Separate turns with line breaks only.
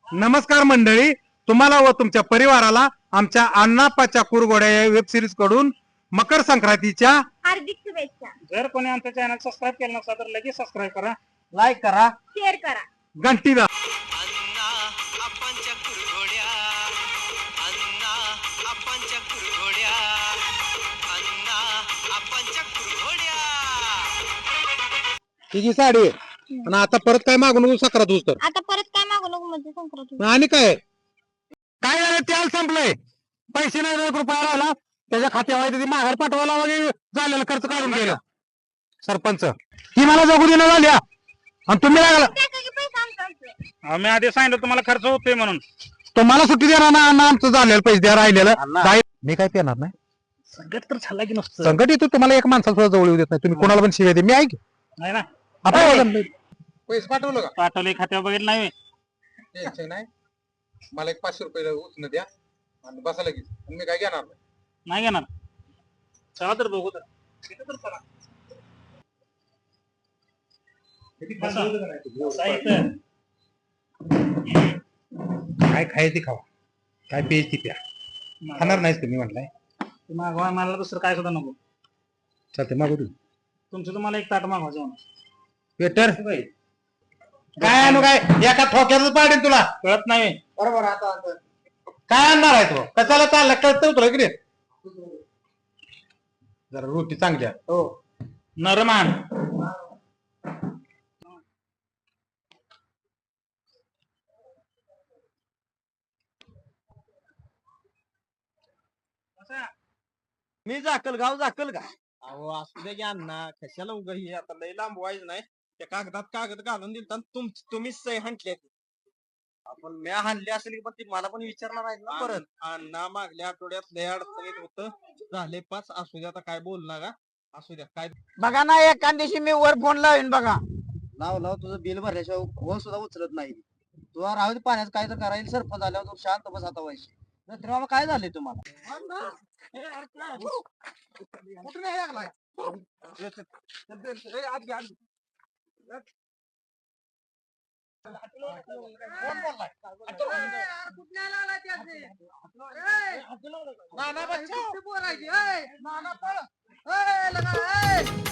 नमस्कार मंडळी, तुम्हाला व तुमच्या परिवाराला आमच्या अण्णाप्पाच्या कुरघोड्या या वेब सिरीज कडून मकर संक्रांतीच्या
हार्दिक शुभेच्छा.
जर कोणी आमचं चॅनल सबस्क्राईब केलं नसेल तर लगेच सबस्क्राईब करा,
लाईक करा,
शेअर करा,
घंटी दाबा.
अण्णा आपणच्या कुरघोड्या, अण्णा आपणच्या कुरघोड्या, अण्णा आपणच्या कुरघोड्या.
तिची साडी आहे. आणि आता परत काय मागू नको सक्रात उस्तर.
आता परत काय मागू नको म्हणजे संक्रांत.
आणि काय काय झालं, तेल संपलंय, पैसे नाही, 1 रुपया राहिला त्याच्या खात्यावर माघार पाठवायला वगैरे झालेला खर्च काढून गेला सरपंच. ही मला जगू देणं झाल्या आणि तुम्ही लागला.
पैसा आमचा.
आम्ही आधी सांगितलं तुम्हाला खर्च होतोय म्हणून.
तुम्हाला सुट्टी देणार ना अण्णा, आमचं झालेलं पैसे द्या राहिलेलं मी काय पेणार नाही.
संकट तर झाला की नसतं.
संकट येतो तुम्हाला, एक माणसाला सुद्धा जवळ येऊ देत नाही. तुम्ही कोणाला पण शिवाय दे, मी ऐक
नाही ना,
आपण पैसे पाठवलं का
पाठवले खात्यावर बघितलं नाही.
टेन्शन नाही. मला एक 500 रुपये उचल द्या आणि बसा लगेच. मी काय घेणार नाही.
नाही घेणार. चला तर बघू तर. इथं तर चला. बसा इथं.
काय खायची खावा, काय प्यायची प्या. खाणार नाहीस तुम्ही म्हटलंय.
ते मागवा, मला दुसरं काय सुद्धा नको.
चालते मागू तू
तुमचं तुम्हाला एक ताट मागवायचं म्हणून.
वेटर काय आणू, काय एका ठोक्यातच पाडेल तुला.
कळत नाही.
बरोबर. आता काय आणणार आहे तो, कशाला चालला कळतं तुला इकडे. जरा रोटी चांगल्या.
हो, नरमान.
मी जाकल गाव जाकल का? अहो असू दे की अण्णा, कशाला उगा हे आता लय लांब व्हायचं नाही. त्या कागदात कागद घालून दिलता तुम्हीच सही हाणली. आपण मी हाणली असेल की पण ती मला पण विचारणार आहेत ना परत. अण्णा मागल्या आठवड्यात लय अडचणीत होतं, झाले 5. असू द्या, आता काय बोलणार का, असू द्या. काय
बघा ना, एका दिवशी मी वर फोन लावीन बघा.
लाव तुझं बिल भरल्याशिवाय फोन सुद्धा उचलत नाही. तुला राहू दे, पाण्यात काय तर करायला सरपंच आल्यावर तू शांत बस आता व्हायची. तर बाबा काय झाले तुम्हाला? कुठे नाही लागलाय? नाना